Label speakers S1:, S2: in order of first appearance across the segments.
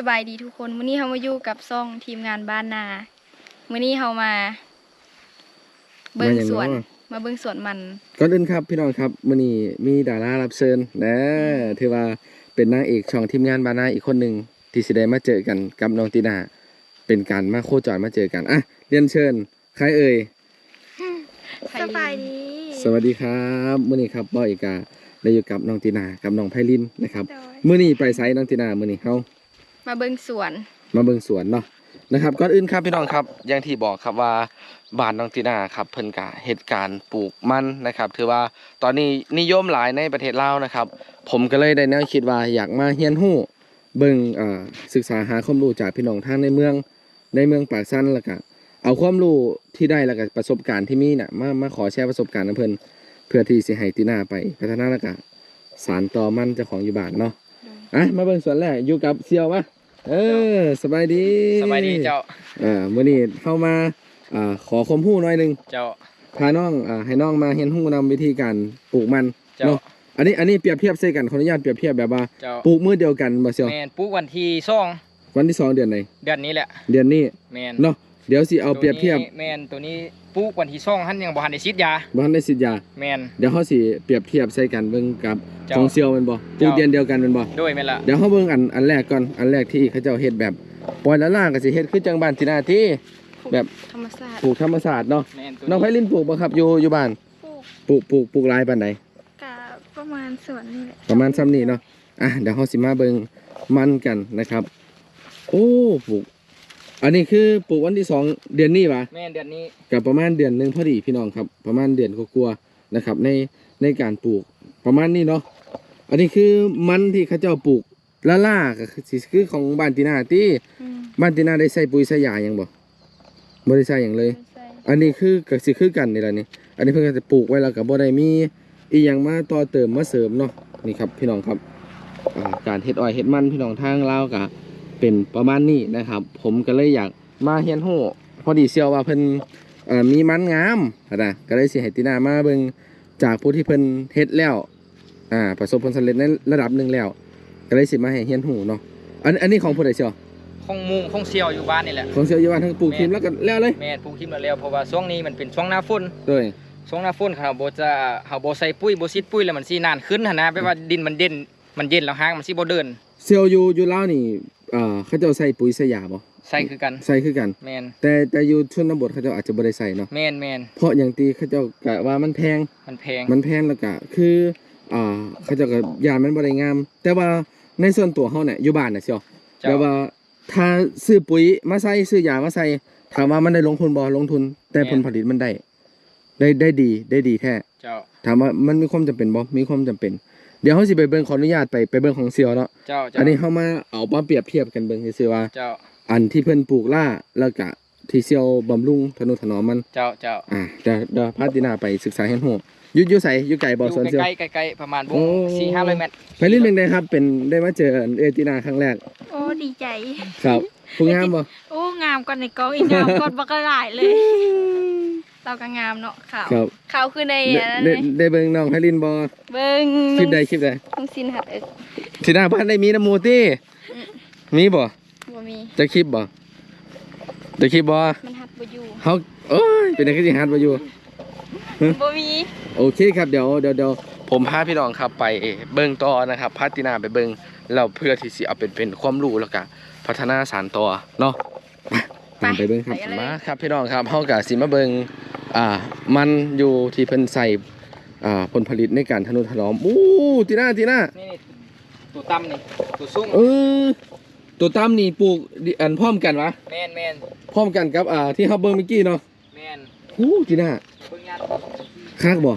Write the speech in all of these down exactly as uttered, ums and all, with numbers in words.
S1: บายดีทุกคนมื้อนี้เรามาอยู่กับซ่องทีมงานบ้านนามื้อนี้เรามาเบิ่งสวนมาเบิ่งสวนมัน
S2: ก่อนอื่นครับพี่น้องครับมื้อนี้มีดารารับเชิญนะถือว่าเป็นนางเอกช่องทีมงานบ้านนาอีกคนหนึ่งที่สิได้มาเจอกันกับน้องตีนาเป็นการมาโคจรมาเจอกันอ่ะเรียนเชิญใครเอ่ย
S1: สบายดี
S2: สวัสดีครับมื้อนี้ครับบ่อีกาได้อยู่กับน้องตีนากับน้องไพลินนะครับมื้อนี้ไปไสน้องตีนามื้อนี้เฮา
S1: มาเบิ่งสวน
S2: มาเบิ่งสวนเนาะนะครับก่อนอื่นครับพี่น้องครับอย่างที่บอกครับว่าบ้านน้องตีนาครับเพิ่นกะเหตุการณ์ปลูกมันนะครับถือว่าตอนนี้นิยมหลายในประเทศลาวนะครับผมก็เลยได้แนวคิดว่าอยากมาเรียนรู้เบิ่งเอ่อศึกษาหาความรู้จากพี่น้องทางในเมืองในเมืองปากซั่นแล้วก็เอาความรู้ที่ได้แล้วก็ประสบการณ์ที่มีน่ะมามาขอแชร์ประสบการณ์กับเพิ่นเพื่อที่สิให้ตีนาไปพัฒนาแล้วก็สานต่อมันเจ้าของอยู่บ้านเนาะอ่ะมาเบิ่งสวนแรกอยู่กับเสี่ยววะเออสบายดี
S3: สบายดีเจ้า
S2: เออมื้อนี้เข้ามาอ่าขอความรู้หน่อยนึง
S3: เจ้า
S2: พาน้องอ่าให้น้องมาเรียนรู้นำวิธีการปลูกมันเนาะอันนี้อันนี้เปรียบเทียบใส่กันขออนุญาตเปรียบเทียบแบบว่าปลูกมื้อเดียวกันบ่เสี่ยว
S3: แม่นปลูกวันที่สอง
S2: วันที่สองเดือนไหน
S3: เดือนนี้แหละ
S2: เดือนนี้
S3: แม่น
S2: เนาะเดี๋ยวสิเอาเปรียบเทียบ
S3: แม่นตัวนี้ปลูกวันที่สองหั่นยังบ่ทันได้ฉีดยา
S2: บ่ทันได้ฉีดยา
S3: แม่น
S2: เดี๋ยวเฮาสิเปรียบเทียบใส่กันเบิ่งกับของเสี่ยวแม่นบ่ปลูกเดือนเดียวกันแม่นบ่
S3: โดยแม่นล่ะ
S2: เดี๋ยวเฮาเบิ่งอันอันแรกก่อนอันแรกที่เขาเจ้าเฮ็ดแบบปล่อยละล่างก็สิเฮ็ดคือจังบ้านที่หน้าที่แบบ
S1: ธรรมชาติ
S2: ปลูกธรรมชาติเนาะน้องไพลินปลูกบ่ครับอยู่อยู่บ้านปลูกปลูกปลูกหลายปานใด
S1: ก็ประมาณสวนนี่แหละ
S2: ประมาณซ้ำนี้เนาะอ่ะเดี๋ยวเฮาสิมาเบิ่งมันกันนะครับโอ้ปลูกอันนี้คือปลูกวันที่สองเดือนนี้ป่ะ
S3: แม่นเดือนนี้
S2: กับประมาณเดือนนึงพอดีพี่น้องครับประมาณเดือนกว่าๆนะครับในในการปลูกประมาณนี้เนาะอันนี้คือมันที่เขาเจ้าปลูกละล่าก็คือสิคือของบ้านตีนาที่บ้านตีนาได้ใส่ปุ๋ยใส่ยายังบ่บ่ได้ใส่หยังเลยอันนี้คือก็สิคือกันนี่ล่ะนี่อันนี้เพิ่นก็จะปลูกไว้แล้วก็บ่ได้มีอีหยังมาต่อเติมมาเสริมเนาะนี่ครับพี่น้องครับอ่าการเฮ็ดอ้อยเฮ็ดมันพี่น้องทางลาวก็เป็นประมาณนี้นะครับผมก็เลยอยากมาเรียนรู้พอดีเสี่ยวว่าเพิ่นเอ่อมีมันงามนะก็เลยสิให้ตีนามาเบิ่งจากผู้ที่เพิ่นเฮ็ดแล้วอ่าประสบผลสำเร็จในระดับหนึ่งแล้วก็เลยสิมาให้เรียนรู้เนาะอันอันนี้ของผู้ใดเสี่ยว
S3: ของมุงของเสี่ยวอยู่บ้านนี่แหละ
S2: ของเสี่ยวอยู่บ้านทั้งปลูกทิมแล้วก็แล้วเลย
S3: แม่นปลูกทิมแล้วเพราะว่าช่วงนี้มันเป็นช่วงหน้าฝน
S2: โดย
S3: ช่วงหน้าฝนเขาบ่จะเฮาบ่ใส่ปุ๋ยบ่ฉีดปุ๋ยแล้วมันสินานขึ้นหั่นนะแปลว่าดินมันเด่นมันเย็นแล้วหางมันสิบ่เดิน
S2: เสี่ยวอยู่อยู่ลาวนี่เอ่อเขาเจ้าใส่ปุ๋ยใส่ยาบ่
S3: ใส่คือกัน
S2: ใส่คือกัน
S3: แม่น
S2: แต่แต่อยู่ชนบทเขาเจ้าอาจจะบ่ได้ใส่เนาะ
S3: แม่นแม่น
S2: เพราะอย่างตีเขาเจ้ากะว่ามันแพง
S3: มันแพง
S2: มันแพงแล้วก็คืออ่าเขาเจ้าก็ยามันบ่ได้งามแต่ว่าในส่วนตัวเฮาเนี่ยอยู่บ้านน่ะเสี่ยวแต่ว่าถ้าซื้อปุ๋ยมาใส่ซื้อยามาใส่ถามว่ามันได้ลงทุนบ่ลงทุนแต่ผลผลิตมันได้ได้ได้ดีได้ดีแท้
S3: เจ้า
S2: ถามว่ามันมีความจำเป็นบ่มีความจำเป็นเดี๋ยวเฮาสิไปเบิ่งขออนุญาตไปไปเบิ่งของเสี่ยวเนาะ
S3: เจ้า
S2: อันนี้เฮามาเอามาเปรียบเทียบกันเบิ่งซื่อๆว่า
S3: เจ้า
S2: อันที่เพิ่นปลูกล่าแล้วก็ที่เสี่ยวบำรุงทนุถนอมมัน
S3: เจ้าเจ้า
S2: อ่าเดี๋ยวเดี๋ยวพาตินาไปศึกษาเรียนรู้อยู่อยู่ไสอยู่ไกลบ่สวนเสี่ยว
S3: ใกล้ๆใกล้ๆประมาณวง สี่ห้าร้อย เมตร
S2: ไปลินเป็นไงครับเป็นได้มาเจอเอตินาครั้งแรก
S1: โอ้ดีใจ
S2: ครับผู้งามบ่
S1: โอ้งามกว่าในกองอีกงามกว่าบักหลายเลยเราก็งามเนาะขาวขาวคือใน
S2: ได้ได้เบิ่งน้องไพลินบ่
S1: เบิ่ง
S2: คลิปใดคลิปใด
S1: ต้องสินหัดเอิก
S2: สิหน้าบ้านได้มีน้ำมูติมีบ่
S1: บ่มี
S2: จะคลิปบ่จะคลิปบ่
S1: มันหัดบ่อยู่
S2: เฮาโอ้ยเป็นจังซี่หัดบ่อยู่
S1: บ่มี
S2: โอเคครับเดี๋ยวเดี๋ยวเดี๋ยวผมพาพี่น้องครับไปเบิ่งต่อนะครับพาตินาไปเบิ่งแล้วเพื่อที่สิเอาเป็นเป็นความรู้แล้วก็พัฒนาสานต่อเนาะตามไปเบิ่งครับมาครับพี่น้องครับเฮาก็สิมาเบิ่งอ่ามันอยู่ที่เพิ่นใส่อ่าผลผลิตในการทนุถนอมอู้ตินาตินา
S3: นี่ตัวต่ำนี่ตัวสูง
S2: เออตัวต่ำนี่ปลูกอันพร้อมกันวะ
S3: แม่นแม่น
S2: พร้อมกันกับอ่าที่เฮาเบิ่งเมื่อกี้เนาะ
S3: แม่น
S2: ฮู้ตินา
S3: เบิ่งยาน
S2: คักบ่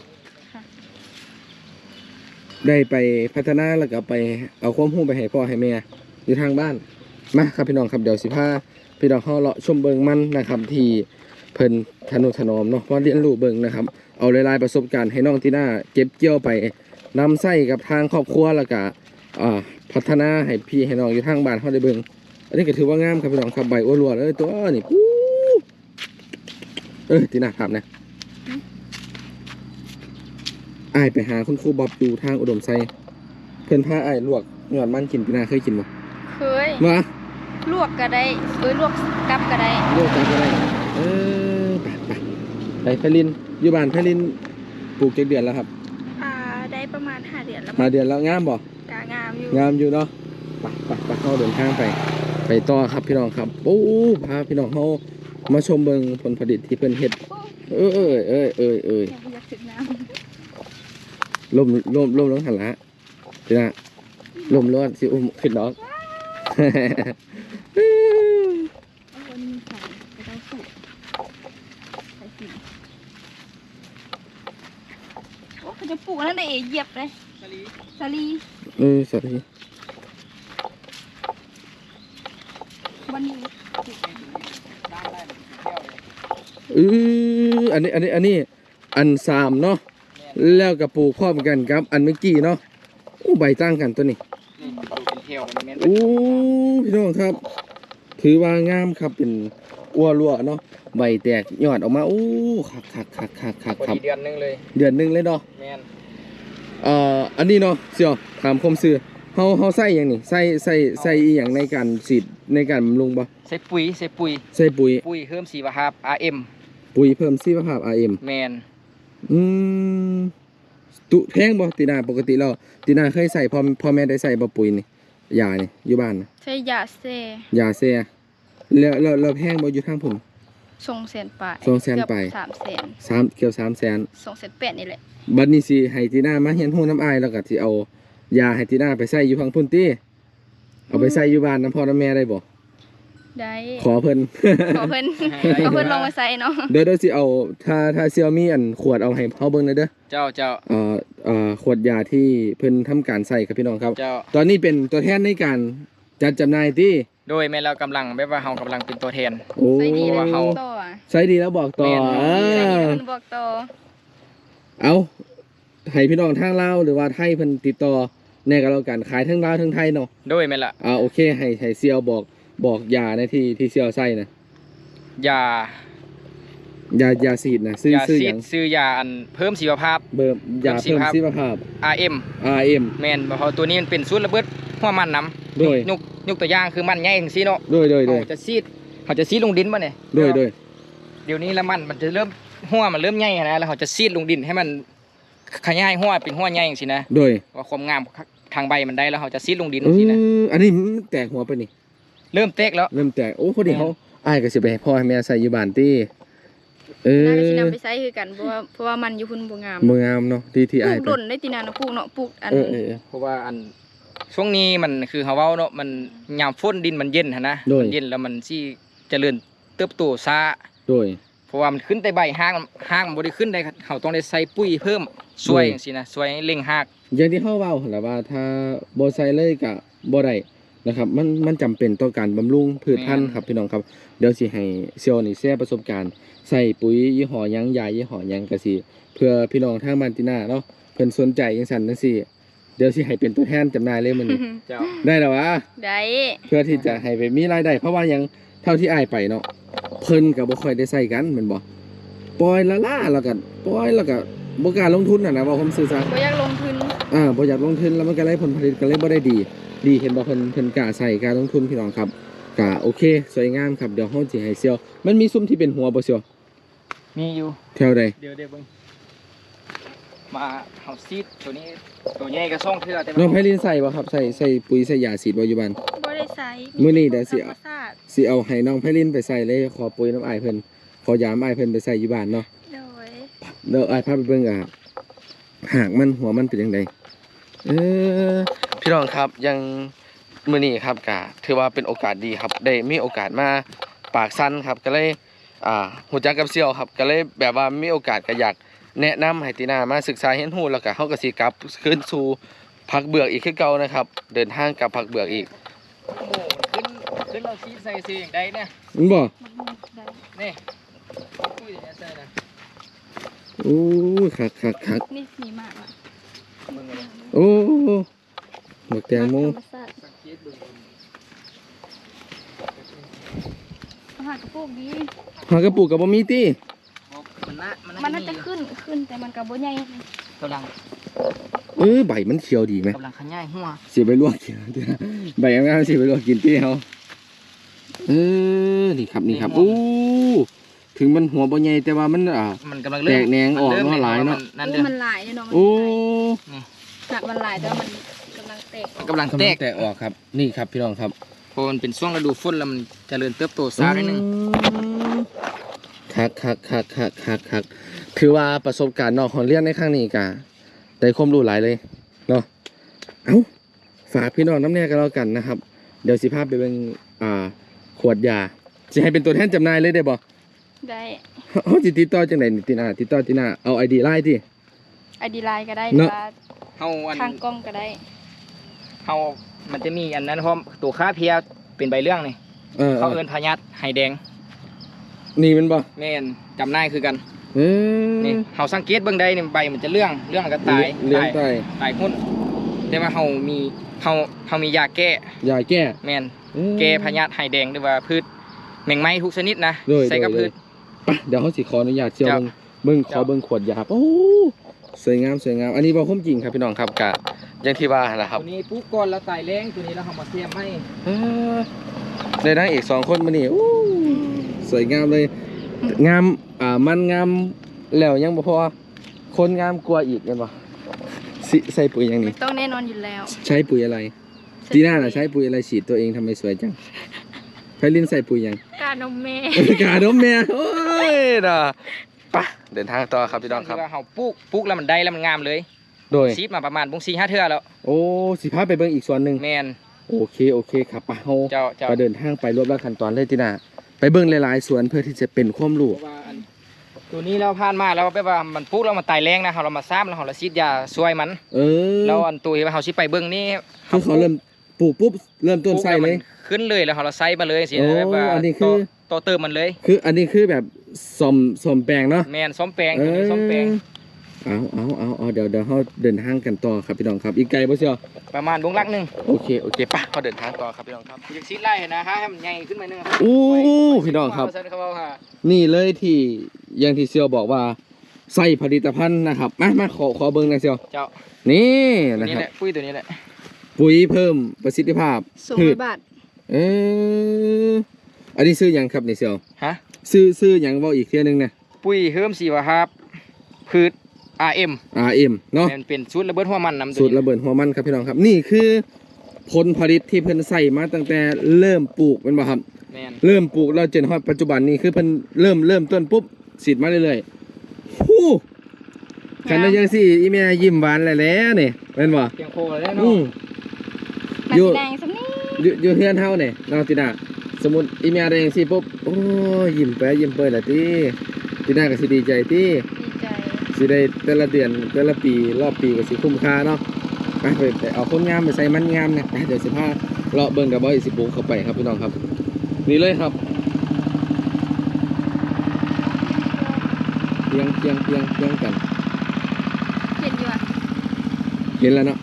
S2: ได้ไปพัฒนาแล้วก็ไปเอาความรู้ไปให้พ่อให้แม่อยู่ทางบ้านมาครับพี่น้องครับเดี๋ยวสิพาพี่น้องเฮาเลาะชมเบิ่งมันนะครับที่เพิ่นทนุถนอมเนาะเพราะเรียนรู้เบิ่งนะครับเอาหลายๆประสบการณ์ให้น้องตินาเก็บเกี่ยวไปนำใช้กับทางครอบครัวแล้วก็อ่าพัฒนาให้พี่ให้น้องอยู่ทางบ้านเฮาได้เบิ่งอันนี้ก็ถือว่างามครับพี่น้องครับใบอ้วนๆเอ้ยตัวนี่ปู๊เอ้ยตินาถามนะอ้ายไปหาคุณครูบ๊อบอยู่ทางอุดมไซเพิ่นพาอ้ายลวกยอดมันกินตินาเคยกินบ่
S1: เคย
S2: มา
S1: ลวกก็ได้เอ้ยลวกกับก็ได้
S2: ลวกกันก็ได้เออไปไปไปไพลินอยู่บ้านไพลินปลูกเจ็ดเดือนแล้วครับ
S1: อ่าได้ประมาณห้าเดือนแล้ว
S2: ห้าเดือนแล้วงามบ่
S1: กางามอยู่
S2: งามอยู่เนาะไปไปไปเข้าเดินทางไป ไปต่อครับพี่น้องครับโอ้พาพี่น้องเขามาชมเบิงผลผลิตที่เพิ่นเฮ็ดเอ้ยเอ้ยเอ้ยเอ้ยเอ้ย
S1: อยากถึงน้
S2: ลมลมลมลงหันละจีน่ะลมร้อนสิอุ้มขึ้นดอก
S1: ำเอาวันนี้ใส่ไปเอาสูตรใส่กินโอ้เขาจะปลูกนั่นได้เอเหยียบเลยสาลี
S2: เออสวัสดี
S1: วันนี้
S2: เอออันนี้อันนี้อันนี้อันสามเนาะแล้วกับปลูกพร้อมกันครับ อันเมื่อกี้เนาะอู้ใบตั้งกันตัวนี้
S3: นี่ดูเป็นเทลมันแม่น
S2: อู้พี่น้องครับ ถือว่างามครับเป็นอ้วรั่วเนาะใบแตกยอดออกมาอู้คักคักคักคักคัก
S3: พอ
S2: ครับ
S3: ดีเดือนหนึงเลย
S2: เดือนหนึ่งเลยเนาะ
S3: แม่น
S2: เอ่ออันนี้เนาะเสี่ยวถามคมซื่อเฮาเฮาใส่หยังนี่ใส่ใส่ใส่อีหยังในการฉีดในการบำรุงบ่
S3: ใส่ปุ๋ยใส่ปุ๋ย
S2: ใส่ปุ๋ย
S3: ปุ๋ยเพิ่มชีวภาพ อาร์ เอ็ม
S2: ปุ๋ยเพิ่มชีวภาพ อาร์ เอ็ม
S3: แม่น
S2: อืมตุแพงบ่ตีนาปกติแล้วตีนาเคยใส่พ่อพ่อแม่ได้ใส่บ่ปุ๋ยนี่ยานี่อยู่บ้านนะ
S1: ใช้ยาเซ
S2: ยาเสียแล้วแล้วแล้วแพงบ่อยู่ทางผม
S1: ส่งเสนไป
S2: ส่งแสนไป
S1: สามแสน
S2: สามเกี่ยวสามแสน
S1: ส่งเสนแปดนี่แหละ
S2: บัดนี้สิให้ตีนามาเฮียนฮู้น้ำอายแล้วก็สิเอายาให้ตีนาไปใส่อยู่พังพุ่นติเอาไปใส่อยู่บ้านน้ำพ่อน้ำแม่ได้บ่
S1: ได้
S2: ขอเพิ่น
S1: ขอเพิ่นเอาเพิ่นลงมาใส่เนาะ
S2: เดี๋ยวเดี๋ยวสิเอาถ้าถ้าเซียวมีอันขวดเอาให้เฮาเบิ่งหน่อยเด้อ
S3: เจ้าเจ้า
S2: เอ่อเอ่อขวดยาที่เพิ่นทำการใส่ครับพี่น้องครับ
S3: เจ้า
S2: ตอนนี้เป็นตัวแทนในการจัดจำหน่ายที่
S3: โดยแม่เรากำลังแบบว่าเฮากำลังเป็นตัวแทน
S2: โอ้
S1: ใส่ดีแล้ว
S3: ว่าเขา
S1: ต่ออะ
S2: ใส่ดีแล้วบอกต่อ
S3: แม่น
S2: เอ
S1: ใส่ดี
S2: อ
S1: แล้วมันบอกต่อ
S2: เอาให้พี่น้องทางลาวหรือว่าไทยเพิ่นติดต่อแน่ก็แล้วกันขายทั้งลาวทั้งไทยเนาะ
S3: โดยแม่ละ
S2: อ่าโอเคให้ให้เซียวบอกบอกยาในที่ที่เซียวใส่นะ
S3: ยาย
S2: ายาฉีดนะซื้อย
S3: า
S2: ซื้อ
S3: ซี
S2: ห
S3: ด
S2: ยัง
S3: ซื้อยาอันเพิ่มชีวภาพ
S2: เบิ่มยา
S3: เพิ่
S2: เพิ่
S3: ม
S2: ม
S3: ชี
S2: ชี
S3: ว
S2: ว
S3: ภา
S2: ภา
S3: พ
S2: พ
S3: อาร์ เอ็ม
S2: อาร์ เอ็ม
S3: แม่นเพราะตัวนี้มันเป็นสูตรระเบิดหัวมันน้ำ
S2: โดย
S3: ยกยกตัวอย่างคือมันใหญ่จังซี่เนาะ
S2: โดยโดยโดย
S3: เขาจะซีดเขาจะซีดลงดินบ่เนี่ย
S2: โดยโดย
S3: เดี๋ยวนี้ละมันมันจะเริ่มหัวมันเริ่มใหญ่นะแล้วเขาจะซีดลงดินให้มันขยายหัวเป็นหัวใหญ่จังซี่นะ
S2: โดย
S3: ว่าความงามทางใบมันได้แล้วเขาจะซีดลงดิน
S2: เอ
S3: จังซี่นะ
S2: ออันนี้มันแตกหัวไปนี่
S3: เริ่มเตกแล้ว
S2: เริ่มแตกโอ้พอดีเขาอ้ายก็สิไปให้พ่อให้แม่ใส่อยู่บ้านติเออ
S1: น่าจะสินำไปใส่คือกันเพราะว่าเพราะว่ามันอยู่พุ่นบ่งาม
S2: บ่งามเนาะที่ที่
S1: ปลู
S2: อ้าย
S1: ก
S2: ไป
S1: ดนได้ตีนาเนาะปลูกเนาะปลูกอัน
S2: เออเออเออ
S3: เพราะว่าอันช่วงนี้มันคือเขาเว้าเนาะมันยามฝนดินมันเย็นหั่นนะ
S2: โดย
S3: มันเย็นแล้วมันสิเจริญเติบโตช้า
S2: โดย
S3: เพราะว่ามันขึ้นแต่ใบหากหากมันบ่ได้ขึ้นได้เขาต้องได้ใส่ปุ๋ยเพิ่มช่วย
S2: โดย
S3: จังซี่นะช่วยให้เร่งหาก
S2: อย่างที่เฮาเว้าหั่นล่ะว่าถ้าบ่ใส่เลยก็บ่ได้นะครับมันมันจำเป็นต่อการบำรุงพืชพันธุ์ครับพี่น้องครับเดี๋ยวสิให้เซียวนี่แชร์ประสบการณ์ใส่ปุ๋ยยี่ห้อหยังยายี่ห้อหยังก็สิเพื่อพี่น้องทางบ้านตินาเนาะเพิ่นสนใจจังซั่นจังซี่เดี๋ยวสิให้เป็นตัวแทนจำหน่ายเลยมื้อนี้
S3: เจ้า
S2: ได้แล้ววะ
S1: ได้
S2: เพื่อที่จะให้ไปมีรายได้เพราะว่าหยังเท่าที่อ้ายไปเนาะเพิ่นก็บ่ค่อยได้ใช้กันแม่นบ่ปล่อยละล่าแล้วก็ปล่อยแล้วก็บ่กล้าลงทุนน่ะนะว่าผมซื่อซะ
S1: บ่อยากลงทุน
S2: อ่าบ่อยากลงทุนแล้วมันก็เลยผลผลิตก็เลยบ่ได้ดี ดีเห็นบ่เพิ่นเพิ่นกล้าใส่กล้าลงทุนพี่น้องครับกล้าโอเค สวยงามครับเดี๋ยวเฮาสิให้เซียวมันมีซุ้มที่เป็นหัวบ่เซียว
S3: มีอยู่
S2: แถวใด
S3: เดี๋ยวเดี๋ยวเบิ่งมาเฮาซีดตัวนี้ตัวใหญ่ก็ส่งเทื่อแต่
S2: น้องไผลินใส่บ่ครับใส่ใส่ปุ๋ยใส่ยาฉีดบ่อยู่บ้าน
S1: บ่ได้ใส่
S2: มื้อนี้เดี๋ยวสิ
S1: ธรรมชาติ
S2: สิเอาให้น้องไผลินไปใส่เลยขอปุ๋ยน้ำอ้ายเพิ่นขอยามอ้ายเพิ่นไปใส่อยู่บ้านเนาะ
S1: โดย
S2: เดี๋ยวอ้ายพาไปเบิ่งอ่ะหากมันหัวมันเป็นจังไดเออพี่น้องครับยังมื้อนี้ครับก็ถือว่าเป็นโอกาสดีครับได้มีโอกาสมาปากซันครับก็เลยอ่าฮู้จักกับเสี่ยวครับก็เลยแบบว่ามีโอกาสก็อยากแนะนำให้ตินามาศึกษาเรียนรู้แล้วก็เฮาก็สิกลับคืนสู่ผักเบือกอีกคือเก่านะครับ เดินทางกลับผักเบือกอีก
S3: โอ้โหขึ้นขึ้นเราซีดใส่ซีอย่างใดเนี่ย
S2: มันบ่
S1: มันได้
S3: นี่ปุ้ยอย่างเงี้ยใส่นะ
S2: โอ้ยคักคักคัก
S1: นี่มีมากอ่ะ
S3: มึงเลย
S2: โอ้บักแตงโม
S1: ธรรมชาติ
S3: สังเกตเบิ่ง
S1: อาหารกระปุกดี
S2: หากระปุกกับบ่มีติ
S3: มันน่ามัน
S1: มัน
S3: น่า
S1: น่าจะขึ้นขึ้นแต่มันก็บ่ใหญ่
S3: กำลัง
S2: เออใบมันเขียวดีไหม
S3: กำลังขยายหัว
S2: สิไปลวกกินเด้อใบงามๆสิไปลวกกินติเฮาเออนี่ครับนี่ครับโอ้ถึงมันหัวบ่ใหญ่แต่ว่ามันอ่า
S3: มันกำลัง
S2: แตกแหนงออกเนาะหลายเนาะ
S3: นั่น
S1: โอ้
S3: เด้อ
S1: มันหลายเนาะมัน
S2: โอ้
S1: หักมันหลายแต่ว่ามันกำลังแตกออก
S3: กำลัง
S2: กำ
S3: แต
S2: ลัง
S3: ก
S2: แตกออกครับนี่ครับพี่น้องครับ
S3: เพราะมันเป็นช่วงฤดูฝนแล้วมันเจริญเติบโตช้านิดนึง
S2: คักคักคักคักคักคักถือว่าประสบการณ์นอกของเรียนในครั้งนี้กะได้ความรู้หลายเลยเนาะเอ้าฝากพี่น้องน้ำแน่กันแล้วกันนะครับ เดี๋ยวสิพาไปเป็นอ่าขวดยาจะให้เป็นตัวแทนจำหน่ายเลยได้บ่
S1: ได้
S2: เขาจิติดต่อจังไดนี่ตินาติดต่อตินาเอาไอดีไลน์ที่
S1: ไอดีไลน์ก็ได้ห
S2: เน
S1: รือ
S2: อะ
S1: ว่า
S3: เฮาอัน
S1: ทางกล้องก็ได้
S3: เฮามันจะมีอันนั้นพร้อมตัวค้าเพียเป็นใบเรื่องนี่
S2: เออ
S3: เขาเอิ้นพญาตไห้แดง
S2: นี่มันบ่
S3: แม่นจำนายคือกัน
S2: เออ
S3: นี่เฮาสังเกตเบิ่งได้นี่ใบมันจะเรื่องเรื่องแล้วก็ตาย
S2: เลี้ยง
S3: ตาย
S2: ตาย
S3: ตายหุ้นแต่ว่าเฮามีเฮาเฮามียาแก้
S2: ยาแก้
S3: แม่น
S2: อืม
S3: แก้พญาตไห้แดงหรือว่าพืชแมงไม้ทุกชนิดนะ
S2: โดย
S3: ใส่กับ
S2: โดย
S3: พืช
S2: ไปเดี๋ยวเขาสิขออนุญาตเชียว
S3: เจ้า
S2: เบิ่งเบิ่งขอ
S3: เจ้า
S2: เบิ่งขวดยาครับโอ้สวยงามสวยงามอันนี้บ่คุ้มจริงครับพี่น้องครับกะอย่างที่ว่าแหละครับ
S3: ตัวนี้ปลูกก่อนแล้วตายแรงตัวนี้แล้วเฮามาเสียมให้
S2: เออได้นางเอกสองคนมานี่อู้สวยงามเลย งามอ่ามันงามแล้วยังบ่พอคนงามกว่าอีกแม่นบ่สิใส่ปุ๋ยหยัง
S1: ไม่
S2: นี่
S1: ต้องแน่นอนอยู่แล้ว
S2: ใช้ปุ๋ยอะไรตีน่าน่ะใช้ปุ๋ยอะไรฉีดตัวเองทำไมสวยจังไพลินใส่ปุ๋ยหยัง
S1: กานมแม่
S2: กาดมแม่โอ้ยน่ะไปเดินทางต่อครับพี่น้องครับ
S3: ที่ว่าเฮาปลูกปลูกแล้วมันได้แล้วมันงามเลย
S2: โดย
S3: ซีดมาประมาณบุ้งสี่ห้าเทื่อแล้ว
S2: โอ้สิพาไปเบิ่งอีกส่วนหนึ่ง
S3: แม่น
S2: โอเคโอเคครับไปเฮา
S3: เจ้าเจ้า
S2: ไปเดินทางไปรวบรัดขั้นตอนเลยตีน่าไปเบิ่งหลายๆสวนเพื่อที่จะเป็นความรู้
S3: เพราะว่าอันตัวนี้เราผ่านมาแล้วแปลว่ามันปลูกแล้วมันตายแรงนะเฮาเรามาซ้ำแล้วเฮาละซีดยาช่วยมัน
S2: เออ
S3: แล้วอันตัวที่ว่าเฮาสิไปเบิ่งนี่
S2: คือเขาเริ่มปลูกปุ๊บเริ่มต้นใส่เลย
S3: ขึ้นเลยแล้วเฮาละไซมาเลยสิ
S2: โอ้
S3: แบบว่า
S2: อันนี้คือ
S3: โตโตเติมมันเลย
S2: คืออันนี้คือแบบสมสมแปลงเนาะ
S3: แม่นซ้อมแปลงตัวนี้ซ้อมแปลง
S2: เอาเอาเอาเอาเดี๋ยวเดี๋ยวเขาเดินทางกันต่อครับพี่น้องครับ อีกไกลบ่เชียว
S3: ประมาณวงลักหนึง
S2: โอเคโอเคปะเขาเดินทางต่อครับพี่น้องครับ
S3: อยากซีดไล่นะฮะให้มันใหญ่ขึ้นมาหนึงครับ
S2: อู้พี่น้องครับ
S3: ว่าซั่นเขาว่าค่ะ
S2: นี่เลยที่อยังที่เซียวบอกว่าใส่ผลิตภัณฑ์นะครับมามาขอขอเบิ้งหนะเซียว
S3: เจ้า
S2: นี่
S3: ตัว
S2: นะ
S3: นี้
S2: ค
S3: แห
S2: รับ
S3: ละปุ้ยตัวนี้แหละ
S2: ปุ๋ยเพิ่มประสิทธิภาพ
S1: สอง
S2: พื
S1: ร้อ
S2: ช
S1: ยบาท
S2: เอออันนี้ซื้อหยังครับนี่เซียว
S3: ฮะ
S2: ซื้อซื้อหยังเว่าอีกเที่ยหนึงนะ
S3: ปุ้ยเฮิมสีวะครับพืช อาร์ เอ็ม
S2: อาร์เอ็มเนาะ
S3: แม่นเป็นสูตรระเบิดหัวมันนำ
S2: สูตร
S3: นี้
S2: ระเบิดหัวมันครับพี่น้องครับ นี่คือผลผลิตที่เพิ่นใส่มาตั้งแต่เริ่มปลูกเป็นบ่ครับ
S3: แม่น
S2: เริ่มปลูกแล้วจนฮอดปัจจุบันนี้คือเพิ่นเริ่มเริ่มต้นปุ๊บสีดมาเรื่อยๆฮู้กันได้ยังสิอีแม่ยิ้มหวานแล้วแหล้วนี่แม่นบ่
S3: เพียงโคเลย
S2: อื
S3: เนาะ
S2: ม
S1: มัน
S2: อยู่
S1: สีแดงสำนี้
S2: อยู่อยู่เฮือนเฮานี่น้องตินาสมมุติอีแม่ได้จังซี่ปุ๊บโอ้ยยิ้มไปยิ้มเปิดละติตินาก็สิดีใจติ
S1: ดีใจ
S2: สิได้แต่ละเดือนแต่ละปีรอบปีก็สิคุ้มค่าเนาะไปไปไปเอาคนงามไปใส่มันงามนะไปเดี๋ยวสิพาเลาะเบิ่งกับบ่อยสิปลูกเข้าไปครับพี่น้องครับ นี่เลยครับเพียงเพียงเพียงเพียงกัน
S1: เห็นอยู่อ่ะ
S2: เห็นแล้วเนาะ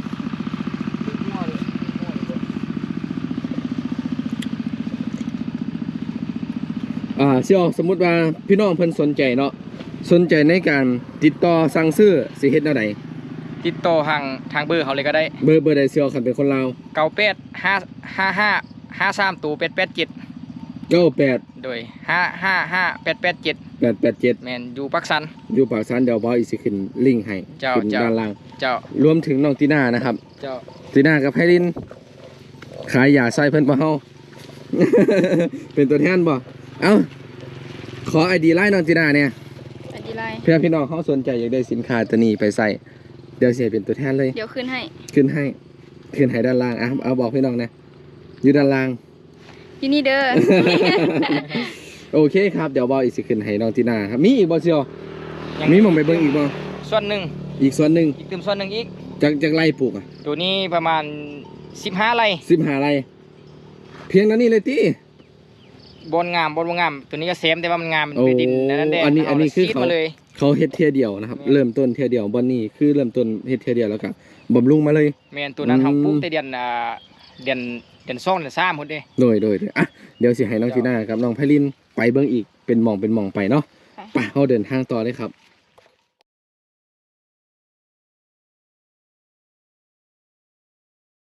S2: อ่าเสี่ยวสมมุติว่าพี่น้องเพิ่นสนใจเนาะสนใจในการติดต่อสั่งซื้อสิเฮ็ดแนวใด
S3: ติดต่อทางทางเบอร์เขาเลยก็ได้
S2: เบอร์เบอร์ใดเสี่ยวคันเป็นคนลาว
S3: เก้าแปดห้าห้าห้าห้าสามตัวแปดแปดเจ็ด
S2: เก้าแปด
S3: โดยห้าห้าห้าแปดแปดเจ็ด
S2: แปดแปดเจ็ด
S3: แมนอยู่ปักสัน
S2: อยู่ปากสันเดี๋ยวบ่าวอีกสิขึ้นลิงก์ให้
S3: เจ้า
S2: ขึ้น
S3: เจ้า
S2: ด้านล่าง
S3: เจ้าร
S2: วมถึงน้องตีน่านะครับ
S3: เจ้า
S2: ตีน่ากับไพลินขายยาใส่เพิ่นบ่เฮา เป็นตัวแทนบ่เอ้าขอไอดีไลน์น้องตีน่าเนี่ย
S1: ไอดีไลน์
S2: เพื่อพี่น้องเขาสนใจอยากได้สินค้าตัวนี้ไปใส่เดี๋ยวเสียเป็นตัวแทนเลย
S1: เดี๋ยวขึ้นให้
S2: ขึ้นให้ขึ้นให้ด้านล่างอ่ะเอาบอกพี่น้องนะอยู่ด้านล่าง
S1: ที่นี่เด้อ
S2: โอเคครับเดี๋ยวบออีกสิขึ้นให้น้องตีน่าครับมีอีกบ่เชียว
S3: ยัง
S2: มีหมองไปเบิ่งอีกบ่
S3: ส่วนหนึ่ง
S2: อีกส่วนหนึ่ง
S3: อีกเติมส่วนหนึ่งอีก
S2: จากจากไร่ปลูกอ่ะ
S3: ตัวนี้ประมาณสิบห้าไร่
S2: สิบห้าไร่เพียงนั้นนี่เลยติ
S3: บนงามบนบ่งาม ตัวนี้ก็เซมแต่ว่ามันงามมัน
S2: โอ้
S3: เป็นดินนั่นแดง
S2: อันนี้อันนี้คือ
S3: ซีด
S2: เขา
S3: มาเลย
S2: เขาเฮ็ดเทียเดียวนะครับ
S3: แม่น
S2: เริ่มต้นเทียเดียวบอนนี่คือเริ่มต้นเฮ็ดเทียเดียวแล้วก็บำรุงมาเลย
S3: แมนตัวนั้น
S2: อืม
S3: เขาปลูกแต่เดือนอ่าเดือนเดือนสองเดือนสามพุ่นเด้
S2: โดยโดยโดยอ่ะเดี๋ยวสิให้น้องจีน่ากับน้องไพลินไปเบิ่งอีกเป็นหม่องเป็นหม่องไปเนาะไปเฮาเดินทางต่อเลยครับ